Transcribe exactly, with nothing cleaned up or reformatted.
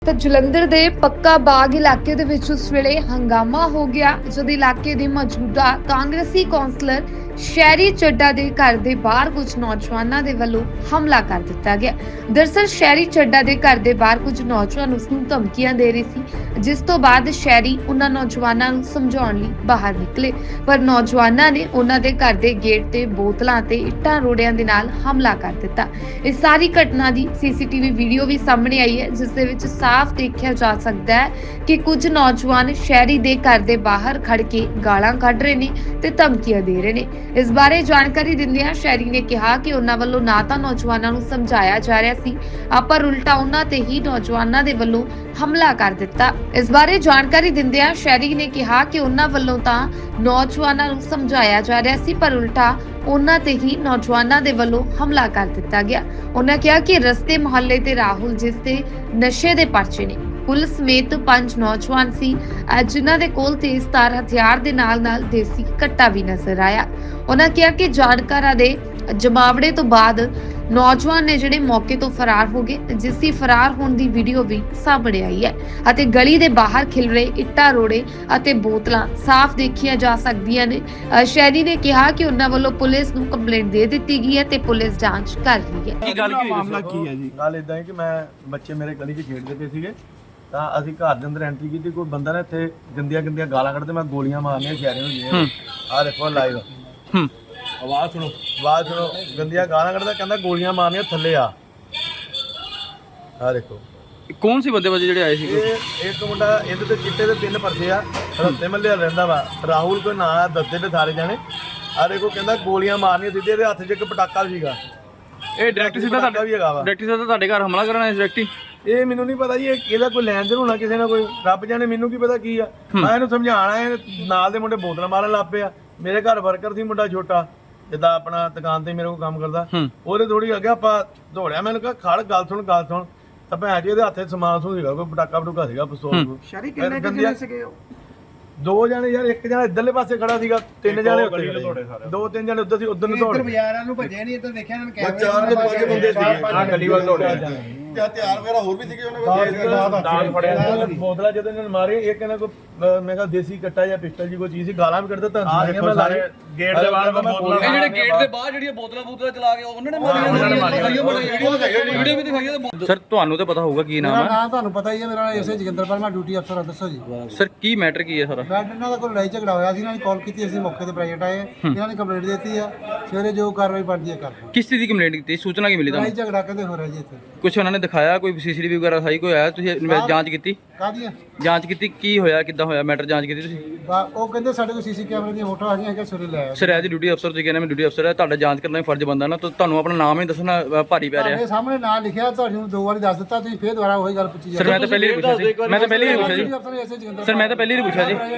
ਤਾਂ ਜਲੰਧਰ ਦੇ ਪੱਕਾ ਬਾਗ ਇਲਾਕੇ ਦੇ ਵਿੱਚ ਉਸ ਵੇਲੇ ਹੰਗਾਮਾ ਹੋ ਗਿਆ ਜਦ ਇਲਾਕੇ ਦੇ ਮੌਜੂਦਾ ਕਾਂਗਰਸੀ ਕੌਂਸਲਰ ਸ਼ਹਿਰੀ ਚੱਡਾ ਦੇ ਘਰ ਦੇ ਬਾਹਰ ਕੁਝ ਨੌਜਵਾਨਾਂ ਦੇ ਵੱਲੋਂ ਹਮਲਾ ਕਰ ਦਿੱਤਾ ਗਿਆ। ਦਰਅਸਲ ਸ਼ਹਿਰੀ ਚੱਡਾ ਦੇ ਘਰ ਦੇ ਬਾਹਰ ਕੁਝ ਨੌਜਵਾਨ ਉਸ ਨੂੰ ਧਮਕੀਆਂ ਦੇ ਰਹੇ ਸੀ, ਜਿਸ ਤੋਂ ਬਾਅਦ ਸ਼ਹਿਰੀ ਉਹਨਾਂ ਨੌਜਵਾਨਾਂ ਨੂੰ ਸਮਝਾਉਣ ਲਈ ਬਾਹਰ ਨਿਕਲੇ, ਪਰ ਨੌਜਵਾਨਾਂ ਨੇ ਉਹਨਾਂ ਦੇ ਘਰ ਦੇ ਗੇਟ ਤੇ ਬੋਤਲਾਂ ਤੇ ਇੱਟਾਂ ਰੋੜਿਆਂ ਦੇ ਨਾਲ ਹਮਲਾ ਕਰ ਦਿੱਤਾ। ਇਸ ਸਾਰੀ ਘਟਨਾ ਦੀ ਸੀਸੀਟੀਵੀ ਵੀਡੀਓ ਵੀ ਸਾਹਮਣੇ ਆਈ ਹੈ, ਜਿਸ ਦੇ ਵਿੱਚ ਸਾਫ਼ ਦੇਖਿਆ ਜਾ ਸਕਦਾ ਹੈ ਕਿ ਕੁਝ ਨੌਜਵਾਨ ਸ਼ਹਿਰੀ ਦੇ ਘਰ ਦੇ ਬਾਹਰ ਖੜ ਕੇ ਗਾਲਾਂ ਕੱਢ ਰਹੇ ਨੇ ਤੇ ਧਮਕੀਆਂ ਦੇ ਰਹੇ ਨੇ। ਇਸ ਬਾਰੇ ਜਾਣਕਾਰੀ ਦਿੰਦਿਆਂ ਸ਼ਹਿਰੀ ਨੇ ਕਿਹਾ ਕਿ ਉਹਨਾਂ ਵੱਲੋਂ ਨਾ ਤਾਂ ਨੌਜਵਾਨਾਂ ਨੂੰ ਸਮਝਾਇਆ ਜਾ ਰਿਹਾ ਸੀ, ਪਰ ਉਲਟਾ ਉਹਨਾਂ ਤੇ ਹੀ ਨੌਜਵਾਨਾਂ ਦੇ ਵੱਲੋਂ ਹਮਲਾ ਕਰ ਦਿੱਤਾ। ਇਸ ਬਾਰੇ ਜਾਣਕਾਰੀ ਦਿੰਦਿਆਂ ਸ਼ਹਿਰੀ ਨੇ ਕਿਹਾ ਕਿ ਉਹਨਾਂ ਵੱਲੋਂ ਤਾਂ ਨੌਜਵਾਨਾਂ ਨੂੰ ਸਮਝਾਇਆ ਜਾ ਰਿਹਾ ਸੀ, ਪਰ ਉਲਟਾ ਉਹਨਾਂ ਤੇ ਹੀ ਨੌਜਵਾਨਾਂ ਦੇ ਵੱਲੋਂ ਹਮਲਾ ਕਰ ਦਿੱਤਾ ਗਿਆ। ਉਹਨਾਂ ਕਿਹਾ ਕਿ ਰਸਤੇ ਮੁਹੱਲੇ ਤੇ ਰਾਹੁਲ, ਜਿਸ ਤੇ ਨਸ਼ੇ ਦੇ ਪਰਚੇ ਨੇ, ਪੁਲਿਸ ਸਮੇਤ ਪੰਜ ਨੌਜਵਾਨ ਸੀ, ਜਿਨ੍ਹਾਂ ਦੇ ਕੋਲ ਤੇਜ਼ ਧਾਰ ਹਥਿਆਰ ਦੇ ਨਾਲ-ਨਾਲ ਦੇਸੀ ਕੱਟਾ ਵੀ ਨਜ਼ਰ ਆਇਆ। ਉਹਨਾਂ ਕਿਹਾ ਕਿ ਜਾਣਕਾਰਾਂ ਦੇ ਜਮਾਵੜੇ ਤੋਂ ਬਾਅਦ ਨੌਜਵਾਨ ਨੇ ਜਿਹੜੇ ਮੌਕੇ ਤੋਂ ਫਰਾਰ ਹੋ ਗਏ, ਜਿਸ ਦੀ ਫਰਾਰ ਹੋਣ ਦੀ ਵੀਡੀਓ ਵੀ ਸਾਹਮਣੇ ਆਈ ਹੈ ਅਤੇ ਗਲੀ ਦੇ ਬਾਹਰ ਖਿਲਰੇ ਇੱਟਾਂ ਰੋੜੇ ਅਤੇ ਬੋਤਲਾਂ ਸਾਫ਼ ਦੇਖੀਆਂ ਜਾ ਸਕਦੀਆਂ ਨੇ। ਸ਼ਹਿਰੀ ਨੇ ਕਿਹਾ ਕਿ ਉਹਨਾਂ ਵੱਲੋਂ ਪੁਲਿਸ ਨੂੰ ਕੰਪਲੇਂਟ ਦੇ ਦਿੱਤੀ ਗਈ ਹੈ ਤੇ ਪੁਲਿਸ ਜਾਂਚ ਕਰ ਰਹੀ ਹੈ। ਕੀ ਗੱਲ ਕੀ ਮਾਮਲਾ ਕੀ ਹੈ ਜੀ? ਗੱਲ ਇਦਾਂ ਹੈ ਕਿ ਮੈਂ ਬੱਚੇ ਮੇਰੇ ਗਲੀ 'ਚ ਖੇਡਦੇ ਪਏ ਸੀਗੇ, ਤਾਂ ਅਸੀਂ ਘਰ ਦੇ ਅੰਦਰ ਐਂਟਰੀ ਕੀਤੀ। ਕੋਈ ਬੰਦਾ ਨੇ ਇੱਥੇ ਗੰਦੀਆਂ ਗੰਦੀਆਂ ਗਾਲਾਂ ਕੱਢਦੇ, ਮੈਂ ਗੋਲੀਆਂ ਮਾਰਨੀਆਂ ਸ਼ਹਿਰੇ ਹੋ ਗਈਆਂ। ਆਹ ਦੇਖੋ ਲਾਈਵ ਹੂੰ ਆਵਾਜ਼ ਸੁਣੋ ਆਵਾਜ਼ ਸੁਣੋ, ਗੰਦੀਆਂ ਗਾਲਾਂ ਕੱਢਦਾ, ਕਹਿੰਦਾ ਗੋਲੀਆਂ ਮਾਰਨੀਆਂ, ਥੱਲੇ ਆ। ਆਹ ਦੇਖੋ ਕੌਣ ਸੀ ਬੰਦੇ ਵਜੇ ਜਿਹੜੇ ਆਏ ਸੀ? ਇਹ ਇੱਕ ਮੁੰਡਾ, ਇਹਦੇ ਤੇ ਚਿੱਟੇ ਦੇ ਤਿੰਨ ਪਰਚੇ ਆ, ਰੱਤੇ ਮੱਲੇ ਰਹਿੰਦਾ ਵਾ, ਰਾਹੁਲ ਕੋਈ ਨਾਂ ਆ, ਦੱਸਦੇ ਤੇ ਸਾਰੇ ਜਾਣੇ। ਆਹ ਦੇਖੋ ਕਹਿੰਦਾ ਗੋਲੀਆਂ ਮਾਰਨੀਆਂ, ਸਿੱਧੇ ਇਹਦੇ ਹੱਥ 'ਚ ਇੱਕ ਪਟਾਕਾ ਸੀਗਾ। ਇਹ ਡਾਇਰੈਕਟ ਸਿੱਧਾ ਤੁਹਾਡਾ ਵੀ ਹੈਗਾ ਵਾ, ਡਾਇਰੈਕਟ ਸਿੱਧਾ ਤੁਹਾਡੇ ਘਰ ਹਮਲਾ ਕਰਨ ਆਏ ਡਾਇਰੈਕਟ ਹੀ? ਇਹ ਮੈਨੂੰ ਨਹੀਂ ਪਤਾ ਜੀ, ਇਹ ਇਹਦਾ ਕੋਈ ਲੈਣ ਦੇਣ ਹੋਣਾ ਕਿਸੇ ਨਾਲ, ਕੋਈ ਰੱਬ ਜਾਣੇ, ਮੈਨੂੰ ਕੀ ਪਤਾ ਕੀ ਆ। ਮੈਂ ਇਹਨੂੰ ਸਮਝਾਣਾ, ਇਹ ਨਾਲ ਦੇ ਮੁੰਡੇ ਬੋਤਲਾਂ ਮਾਰਨ ਲੱਗ ਪਏ ਆ। ਮੇਰੇ ਘਰ ਵਰਕਰ ਸੀ ਮੁੰਡਾ ਛੋਟਾ, ਜਿੱਦਾਂ ਆਪਣਾ ਦੁਕਾਨ ਤੇ ਮੇਰੇ ਕੋਲ ਕੰਮ ਕਰਦਾ, ਉਹਦੇ ਥੋੜੀ ਅੱਗੇ ਆਪਾਂ ਦੌੜਿਆ, ਮੈਨੂੰ ਕਿਹਾ ਖੜ, ਗੱਲ ਸੁਣ ਗੱਲ ਸੁਣ ਤਾਂ ਭੈਣ ਜੀ ਇਹਦੇ ਹੱਥੇ ਸਮਾਨ ਸਮੂਨ ਸੀਗਾ, ਕੋਈ ਪਟਾਕਾ ਪਟੂਕਾ ਸੀਗਾ, ਪਿਸਤੌਲ। ਸ਼ਰੀ ਕਿੰਨੇ ਕਿੰਨੇ ਸੀਗੇ? ਦੋ ਜਣੇ ਯਾਰ, ਇੱਕ ਜਣਾ ਇੱਧਰਲੇ ਪਾਸੇ ਖੜਾ ਸੀਗਾ, ਤਿੰਨ ਜਣੇ ਉੱਤੇ ਦੋ ਤਿੰਨ ਜਣੇ ਉੱਧਰ ਸੀ, ਉਧਰ ਨੂੰ ਦੌੜ ਬਾਜ਼ਾਰਾਂ ਨੂੰ ਭੱਜੇ ਨਹੀਂ, ਇੱਧਰ ਦੇਖਿਆ ਇਹਨਾਂ ਨੇ ਕੈਮਰੇ ਚਾਰ ਤੋਂ ਪੰਜ ਬੰਦੇ ਸੀਗੇ। ਹਾਂ ਗੱਡੀ ਵੱਲ ਦੌੜਿਆ। ਤੇ ਹਥਿਆਰ ਵਗੈਰਾ ਹੋਰ ਵੀ ਸੀਗੇ ਉਹਨਾਂ ਕੋਲ, ਬੋਤਲਾਂ ਜਦੋਂ ਇਹਨਾਂ ਨੇ ਮਾਰੇ, ਇਹ ਕਹਿੰਦਾ ਕੋਈ ਮੈਂ ਕਿਹਾ ਦੇਸੀ ਕੱਟਾ ਜਾਂ ਪਿਸਟਲ ਜੀ ਕੋਈ ਚੀਜ਼ ਸੀ, ਗਾਲਾਂ ਵੀ ਕੱਢਦਾ ਤਾਂ ਮੈਂ ਸਾਰੇ ਗੇਟ ਦੇ ਬਾਹਰ ਬੋਤਲਾਂ, ਇਹ ਜਿਹੜੇ ਗੇਟ ਦੇ ਬਾਹਰ ਜਿਹੜੀਆਂ ਬੋਤਲਾਂ ਬੋਤਲਾਂ ਚਲਾ ਕੇ ਉਹਨਾਂ ਨੇ ਮਾਰੀਆਂ ਵੀਡੀਓ ਵੀ ਦਿਖਾਈ ਹੈ। ਸਰ ਤੁਹਾਨੂੰ ਤਾਂ ਪਤਾ ਹੋਊਗਾ ਕੀ ਨਾਮ ਮੇਰਾ ਹੈ? ਨਾਮ ਤੁਹਾਨੂੰ ਪਤਾ ਹੀ ਹੈ, ਮੇਰਾ ਐਸਏ ਜੋਗਿੰਦਰਪਾਲ, ਮੈਂ ਡਿਊਟੀ ਅਫਸਰ ਹਾਂ। ਦੱਸੋ ਜੀ ਸਰ ਕੀ ਮੈਟਰ ਕੀ ਹੈ ਸਾਰਾ? ਮੈਂ ਇਹਨਾਂ ਦਾ ਕੋਈ ਲੜਾਈ ਝਗੜਾ ਹੋਇਆ ਸੀ, ਇਹਨਾਂ ਨੇ ਕਾਲ ਕੀਤੀ, ਅਸੀਂ ਮੌਕੇ ਤੇ ਪ੍ਰਾਈਵੇਟ ਆਏ, ਇਹਨਾਂ ਨੇ ਕੰਪਲੇਂਟ ਦਿੱਤੀ ਆ, ਸਵੇਰੇ ਜੋ ਕਾਰਵਾਈ ਬਣਦੀ ਹੈ ਕਰਦੇ। ਕਿਸ ਚੀਜ਼ ਦੀ ਕੰਪਲੇਂਟ ਕੀਤੀ? ਸੂਚਨਾ ਕੀ ਮਿਲੀ ਲੜਾਈ ਤੁਹਾਨੂੰ? ਝਗੜਾ ਕਹਿੰਦੇ ਹੋ ਰਿਹਾ ਜੀ ਇੱਥੇ। ਕੁਝ ਉਹਨਾਂ ਨੇ ਦਿਖਾਇਆ, ਕੋਈ ਸੀਸੀਟੀਵੀ ਵਗੈਰਾ ਦਿਖਾਈ, ਕੋਈ ਆਇਆ? ਤੁਸੀਂ ਇਨਵੈਸਟ ਜਾਂਚ ਕੀਤੀ? ਕਾਹਦੀਆਂ ਜਾਂਚ ਕੀਤੀ ਕੀ ਹੋਇਆ, ਕਿੱਦਾਂ ਹੋਇਆ ਮੈਟਰ, ਜਾਂਚ ਕੀਤੀ ਤੁਸੀਂ? ਬਾ- ਉਹ ਕਹਿੰਦੇ ਸਾਡੇ ਕੋਲ ਸੀਸੀ ਕੈਮਰੇ ਦੀਆਂ ਫੋਟੋ ਆ ਗਈਆਂ ਕਿ ਸਵੇਰੇ ਲੈ ਆਏ। ਸਰ ਐਜ ਡਿਊਟੀ ਅਫਸਰ ਤੁਸੀਂ ਕਹਿੰਦੇ ਮੈਂ ਡਿਊਟੀ ਅਫਸਰ ਹੈ, ਤੁਹਾਡਾ ਜਾਂਚ ਕਰਨਾ ਹੀ ਫਰਜ਼ ਬਣਦਾ ਨਾ, ਤਾਂ ਤੁਹਾਨੂੰ ਆਪਣਾ ਨਾਮ ਹੀ ਦੱਸਣਾ ਅ, ਭਾਰੀ ਪੈ ਰਿਹਾ। ਤੁਹਾਡੇ ਸਾਹਮਣੇ ਨਾਂ ਲਿਖਿਆ, ਤੁਹਾਨੂੰ ਦੋ ਵਾਰੀ ਦੱਸ ਦਿੱਤਾ, ਤੁਸੀਂ ਫੇਰ ਦੁਬਾਰਾ ਉਹੀ ਗੱਲ ਪੁੱਛੀ ਸਰ ਮੈਂ ਤਾਂ ਪਹਿਲੇ ਹੀ ਪੁੱਛਿਆ ਸੀ, ਮੈਂ ਤਾਂ ਪਹਿਲੇ ਹੀ ਪੁੱਛਿਆ ਜੀ ਅਫਸਰ ਐਸਏ ਜੋਗਿੰਦਰ ਸਰ, ਮੈਂ ਤਾਂ ਪਹਿਲੇ ਹੀ ਪੁੱਛਿਆ ਜੀ।